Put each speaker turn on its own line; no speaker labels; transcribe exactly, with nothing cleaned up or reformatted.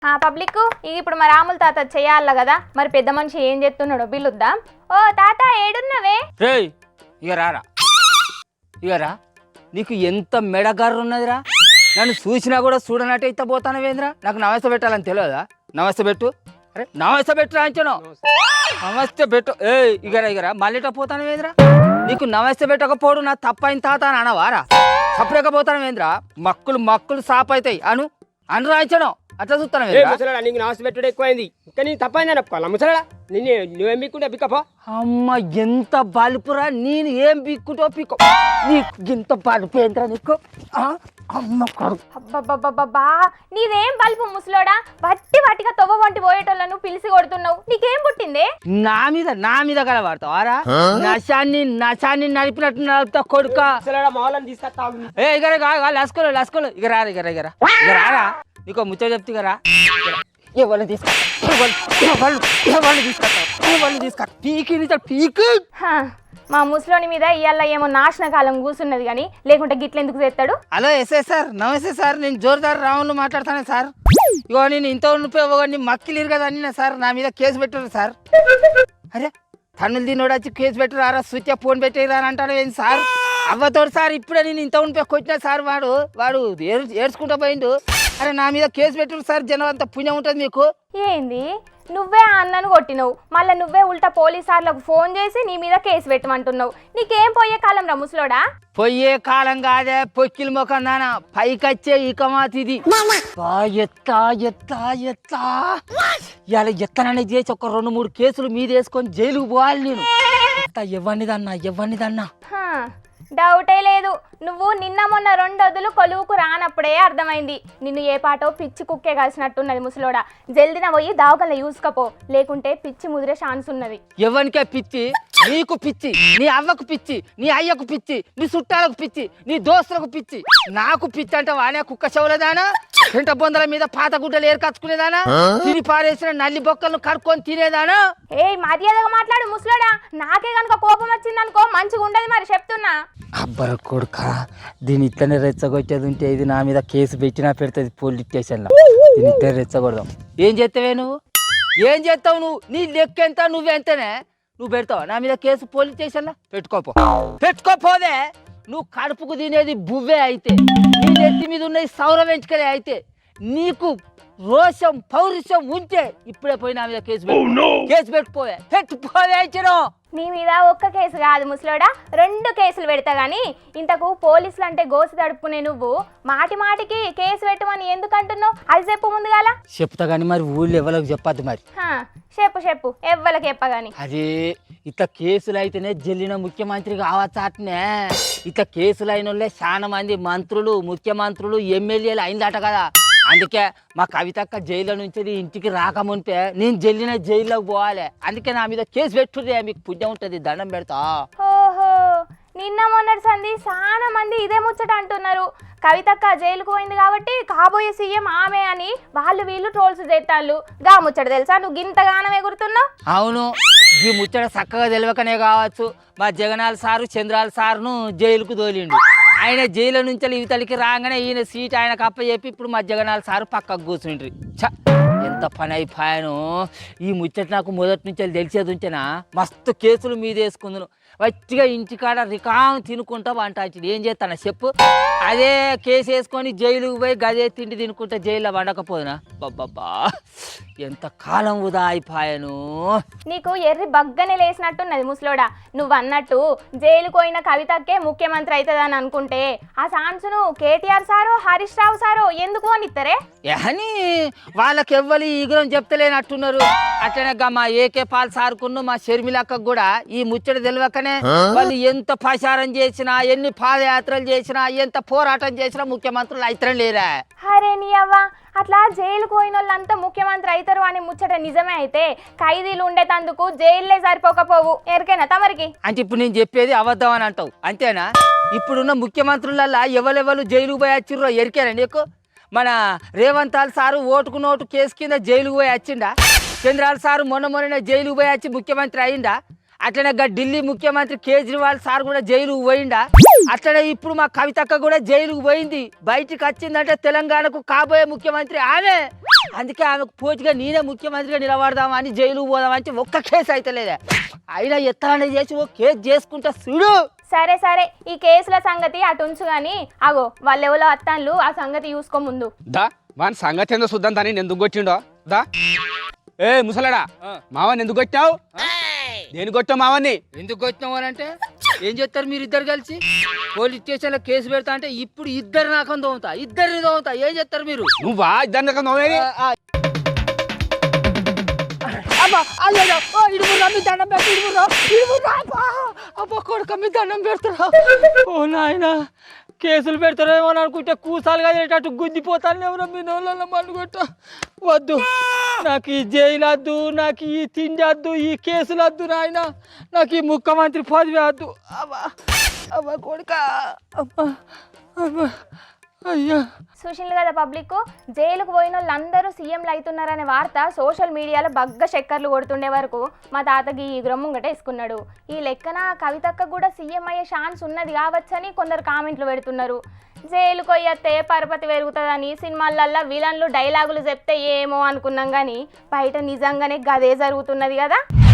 ఆ పబ్లిక్ ఇప్పుడు మా రాముల తాత చేయాల కదా, మరి పెద్ద మనిషి ఏం చేస్తున్నాడో పిలుద్దాం. ఓ తాత ఏడున్నవే?
రేయ్ ఇక రారా, ఇక రా. నీకు ఎంత మెడగారు ఉన్నదిరా, నన్ను చూసినా కూడా చూడనట్టు అయితే పోతానవేంద్రా. నాకు నమస్తే పెట్టాలని తెలియదా? నమస్తే పెట్టు. అరే నమస్తే పెట్టు రాంచను, నమస్తే పెట్టు. ఏ ఇగరా ఇగరా మళ్ళీట పోతానవేంద్రా. నీకు నమస్తే పెట్టకపోవడం నా తప్పైన తాత అని అనవారా? తప్పలేకపోతానవేంద్రా. మక్కులు మక్కులు సాప్ అవుతాయి అను అని రాయించను. అట్లా చూస్తాను.
నీకు నమస్తే పెట్టుడు ఎక్కువైంది, ఇంకా నేను తప్పైందని ఒప్పుకోవాలా ముసలాడా? నిన్ను నువ్వేం బిక్కుంటే బిక్కపో.
అమ్మ ఎంత బలుపురా, నేను ఏం బిక్కుంటో పిక్కో. నీకు ఇంత బలుపు ఏంద్రా నీకు? అమ్మ
అబ్బబ్బబ్బబ్బా, నీదేం బల్పు ముసలోడా? వట్టి వట్టిగా తొవ్వ వంటి పోయేటోళ్ళను పిలిచి కొడుతున్నావు. నీకేం పుట్టిందే?
నా మీద నా మీద కలవాడతావారా? నశాన్ని నశాన్ని నడిపినట్టు నడుపుతా కొడుక.
మాలని తీసుకొస్తావు.
ఏ ఇగర లసుకోలు లసుకోలు ఇక రారా ఇగర ఇగర ఇక రారా. నీకో ముచ్చట చెప్తే కదా, ఎవరిని తీసుకొస్తా ఎవరిని తీసుకొస్తా ఎవరిని తీసుకొస్తా పీకి పీకి.
మా ముసలోని మీద ఇవాళ ఏమో నాశన కాలం కూర్చున్నది కానీ, లేకుంటే గిట్లెందుకు చేస్తాడు?
హలో ఎస్ఐ సార్, నమస్తే సార్. నేను జోరుదారు రావును మాట్లాడతాను సార్. ఇగో నేను ఇంత ఉండిపోయి మక్కిలేరు కదా అన్న సార్, నా మీద కేసు పెట్టారు సార్. అరే తన్నులు తినోడు వచ్చి కేసు పెట్టారా, స్విచ్ ఫోన్ పెట్టేరా అని అంటాడు ఏంటి సార్? అవ్వతోడు సార్, ఇప్పుడే నేను ఇంత ఉండిపోయి కొట్టినా సార్. వాడు వాడు ఏడ్చుకుంటా పోయిండు. అరే నా మీద కేసు పెట్టారు సార్, జనం అంత పుణ్యం ఉంటుంది మీకు.
ఏంది నువ్వే ఆ అన్నను కొట్టినవు, మళ్ళీ నువ్వే ఉల్టా పోలీసార్లకు ఫోన్ చేసి నీ మీద కేసు పెట్టమంటున్నావు. నీకేం పోయే కాలం రా ముసలోడా?
పొయ్యే కాలం కాదే, పొక్కిల ముఖం దానా పైకొచ్చే ఇక మాతిది. ఎత్తా ఎత్తా ఎత్తా ఇలా ఎత్తనని చేసి ఒక రెండు మూడు కేసులు మీద వేసుకొని జైలుకు పోవాలి నేను. ఎవరినిదన్నా ఎవరినిదన్నా
డౌటే లేదు. నువ్వు నిన్న మొన్న రెండు వదులు కొలువుకు రానప్పుడే అర్థమైంది. నిన్ను ఏ పాటో పిచ్చి కుక్కే కలిసినట్టున్నది ముసలోడా. జల్దిన పోయి దావకల్లా చూసుకపో, లేకుంటే పిచ్చి ముదిరే ఛాన్స్ ఉన్నది.
ఎవరికే పిచ్చి? నీకు పిచ్చి, నీ అవ్వకు పిచ్చి, నీ అయ్యకు పిచ్చి, నీ చుట్టాలకు పిచ్చి, నీ దోస్తులకు పిచ్చి. నాకు పిచ్చి అంటే వానే కుక్క చెవులదానా, పెంట బొందల మీద పాత గుడ్డలు ఏర్కచ్చుకునేదానా, తిని పారేసిన నల్లి బొక్కలను కడుక్కొని తినేదానా?
ఏ మర్యాదగా మాట్లాడు ముసలోడా. నాకే కనుక కోపం వచ్చిందనుకో మంచిగా ఉండదు మరి చెప్తున్నా.
అబ్బర కొడుక, దీని ఇట్లనే రెచ్చగొట్టేది ఉంటే ఇది నా మీద కేసు పెట్టినా పెడుతుంది పోలీస్ స్టేషన్లో. దీని ఇట్లనే రెచ్చగొడదాం. ఏం చేస్తావే నువ్వు? ఏం చేస్తావు నువ్వు? నీ లెక్క ఎంత నువ్వెంతనే? నువ్వు పెడతావు నా మీద కేసు పోలీస్ స్టేషన్లో? పెట్టుకోపో పెట్టుకోపోదే. నువ్వు కడుపుకు తినేది బువ్వే అయితే, నీ నెత్తి మీద ఉన్నది సౌర వెంచుకలే అయితే, నీకు రోషం పౌరుషం ఉంటే ఇప్పుడే పోయి నా మీద కేసు పెట్టు. కేసు పెట్టుకోవే పెట్టుకోవే ఇచ్చినో.
నీ మీద ఒక్క కేసు కాదు ముసలోడా, రెండు కేసులు పెడతా గానీ. ఇంతకు పోలీసులు అంటే గోసి తడుపుకునే నువ్వు మాటి మాటికి కేసు పెట్టమని ఎందుకు అంటున్నావు? అది చెప్పు ముందుగాల.
చెప్తా గానీ మరి ఊళ్ళో ఎవరికి చెప్పద్దు మరి.
చెప్పు చెప్పు ఎవ్వరికి చెప్పగాని.
అదే ఇట్లా కేసులు అయితేనే జల్లిన ముఖ్యమంత్రి కావచ్చాటనే. ఇట్లా కేసులు అయిన వాళ్ళే చాలా మంది మంత్రులు, ముఖ్యమంత్రులు, ఎమ్మెల్యేలు అయిందట కదా. అందుకే మా కవితక్క జైల్లో నుంచి ఇంటికి రాకముంటే నేను జల్లిన జైల్లోకి పోవాలి. అందుకే నా మీద కేసు పెట్టుర్రే, మీకు పుణ్యం ఉంటుంది, దండం పెడతా.
ఓహో, నిన్న మొన్నటి సంది చాలా మంది ఇదే ముచ్చట అంటున్నారు. కవితక్క జైలుకు పోయింది కాబట్టి కాబోయే సీఎం ఆమె అని వాళ్ళు వీళ్ళు ట్రోల్స్ చేస్తాళ్ళు. గా ముచ్చట తెలుసా? నువ్వు గింతగానం ఎగురుతున్నావు.
అవును, ఈ ముచ్చట చక్కగా తెలియకనే కావచ్చు మా జగనాల్ సారు చంద్రాల సార్ను జైలుకు తోలిండు. ఆయన జైలు నుంచి ఇవతలికి రాగానే ఈయన సీట్ ఆయనకు అప్ప చెప్పి ఇప్పుడు మా జగనాల్ సారు పక్కకు కూర్చుండ్రి. చ ఎంత పని అయిపోయాను. ఈ ముచ్చట నాకు మొదటి నుంచి తెలిసేది ఉంటేనా మస్తు కేసులు మీద వేసుకుందును. వచ్చిగా ఇంటికాడ రికాం తినుకుంటా వంటాచి ఏం చేస్తాను చెప్పు. అదే కేసు వేసుకొని జైలుకు పోయి గదే తిండి తినుకుంటా జైల్లో వండకపోదునా. బాబ్బా ఎంత కాలం వృధా అయిపోయాను.
నీకు ఎర్రి బగ్గనే లేసినట్టున్నది ముసలోడా. నువ్వు అన్నట్టు జైలుకు పోయిన కవితక్కే ముఖ్యమంత్రి అవుతుందని అనుకుంటే ఆ ఛాన్స్ను కేటీఆర్ సారో హరీష్ రావు సారో ఎందుకు అనిస్తారే?
అని వాళ్ళకి ఎవ్వరు ఈగురం చెప్తలేనట్టున్నారు. అట్లనే మా ఏకే పాల్ సార్కును మా షర్మిలక్కకు కూడా ఈ ముచ్చట తెలియకనే వాళ్ళు ఎంత ప్రచారం చేసినా, ఎన్ని పాదయాత్రలు చేసినా, ఎంత పోరాటం చేసినా ముఖ్యమంత్రులు అయితరం లేరా.
అరే నీ అవ్వ, అట్లా జైలుకు పోయిన వాళ్ళంతా ముఖ్యమంత్రి అవుతారు అని ముచ్చట నిజమే అయితే ఖైదీలు ఉండేటందుకు జైల్లే సరిపోకపోవు. ఎరికైనా తమరికి?
అంటే ఇప్పుడు నేను చెప్పేది అబద్ధం అని అంటావు అంతేనా? ఇప్పుడున్న ముఖ్యమంత్రులల్లా ఎవరెవరు జైలుకు పోయి వచ్చిర్రో ఎరికేనా నీకు? మన రేవంత్ సారు ఓటుకు నోటు కేసు కింద జైలుకు పోయి వచ్చిండా? చంద్రాల సారు మొన్న మొన్న జైలుకు పోయి వచ్చి ముఖ్యమంత్రి అయిందా? అట్లనే ఢిల్లీ ముఖ్యమంత్రి కేజ్రీవాల్ సార్ కూడా జైలుకు పోయిండా? అట్లనే ఇప్పుడు మా కవితక్క కూడా జైలుకు పోయింది. బయటికి వచ్చిందంటే తెలంగాణకు కాబోయే ముఖ్యమంత్రి ఆమె. అందుకే ఆమెకు పోటీగా నేనే ముఖ్యమంత్రిగా నిలబడదామని జైలుకు పోదామని ఒక్క కేసు అయితే లేదా అయినా ఎత్తాలని చేసి ఓ కేసు చేసుకుంటా చూడు.
సరే సరే ఈ కేసుల సంగతి అటు ఉంచు గాని అగో వాళ్ళెవలో అత్తాన్లు ఆ సంగతి చూసుకో ముందు.
దా వాని సంగతి ఏందో చూద్దాం తని ఎందుకు కొట్టిండో. దా ఏ ముసలాడా మావని ఎందుకు కొట్టావు? నేను కొట్టావు మావన్ని.
ఎందుకు వచ్చినావు అని అంటే ఏం చేస్తారు మీరు ఇద్దరు కలిసి? పోలీస్ స్టేషన్లో కేసు పెడతా అంటే ఇప్పుడు ఇద్దరు నాకం తోముతా ఇద్దరిని తోముతా ఏం చేస్తారు మీరు?
నువ్వా ఇద్దరు నోవేది?
దండం పెడతారా? ఓ నాయన కేసులు పెడతారేమో అని అనుకుంటే కూసాలుగా అటు గుద్దిపోతాను ఎవరో మీ నోళ్ళలో మనుగొట్ట. వద్దు నాకు ఈ జైలు వద్దు, నాకు ఈ తిండి వద్దు, ఈ కేసులు వద్దు నాయన, నాకు ఈ ముఖ్యమంత్రి పదవి వద్దు. అబ్బా అబ్బా కొడుక అబ్బా అబ్బా అయ్యా.
చూసిండ్రు కదా పబ్లిక్, జైలుకు పోయిన వాళ్ళందరూ సీఎంలు అవుతున్నారనే వార్త సోషల్ మీడియాలో బగ్గ చక్కర్లు కొడుతుండే వరకు మా తాతకి ఈ గ్రమ్ముంగట వేసుకున్నాడు. ఈ లెక్కన కవితక్క కూడా సీఎం అయ్యే ఛాన్స్ ఉన్నది కావచ్చని కొందరు కామెంట్లు పెడుతున్నారు. జైలుకు పోయత్తే పరపతి పెరుగుతుందని సినిమాలల్లో విలన్లు డైలాగులు చెప్తే ఏమో అనుకున్నాం కానీ బయట నిజంగానే గదే జరుగుతున్నది కదా.